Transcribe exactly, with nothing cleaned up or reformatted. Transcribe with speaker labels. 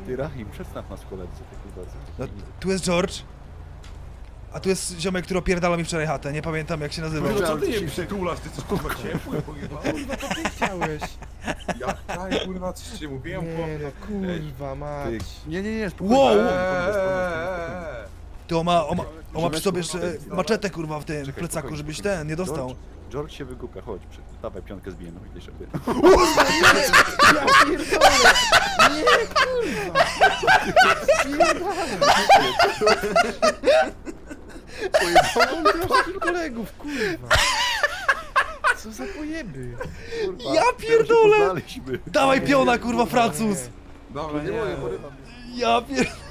Speaker 1: Ty Rahim, przedstaw nas koledzy, tak bardzo.
Speaker 2: No, tu jest George. A tu jest ziomek, który opierdala mi wczoraj chatę, nie pamiętam jak się nazywał.
Speaker 3: No co ty nie przytulasz, ty coś kurwa ciepłe pojebałeś?
Speaker 4: Kurwa, to ty chciałeś.
Speaker 3: Ja chciałem kurwa, coś ci mówiłem,
Speaker 4: Nie
Speaker 3: chłopie.
Speaker 4: no, kurwa mać.
Speaker 1: Ty, nie, nie, nie, spokojnie.
Speaker 2: Wow!
Speaker 1: Spokojnie, spokojnie, spokojnie, spokojnie.
Speaker 2: Ty on ma, on ma, on ma przy sobie
Speaker 1: Ziomeczku,
Speaker 2: jeszcze
Speaker 1: dobra.
Speaker 2: maczetę kurwa w tym
Speaker 1: Czekaj,
Speaker 2: plecaku,
Speaker 1: spokojnie,
Speaker 2: żebyś
Speaker 1: spokojnie.
Speaker 2: ten nie dostał.
Speaker 1: George, George się wygłupia, chodź, przy, dawaj piątkę zbijemy, idziesz sobie.
Speaker 4: Ja pierdolę! Nie, kurwa! Pojebałem kolegów, kurwa! Co za pojeby?
Speaker 1: Kurwa,
Speaker 2: Ja
Speaker 1: teraz się
Speaker 2: pierdolę!
Speaker 1: poznaliśmy.
Speaker 2: Dawaj piona kurwa Francuz!
Speaker 3: Dobra, nie,
Speaker 1: Nie, porywam.
Speaker 2: Ja pier...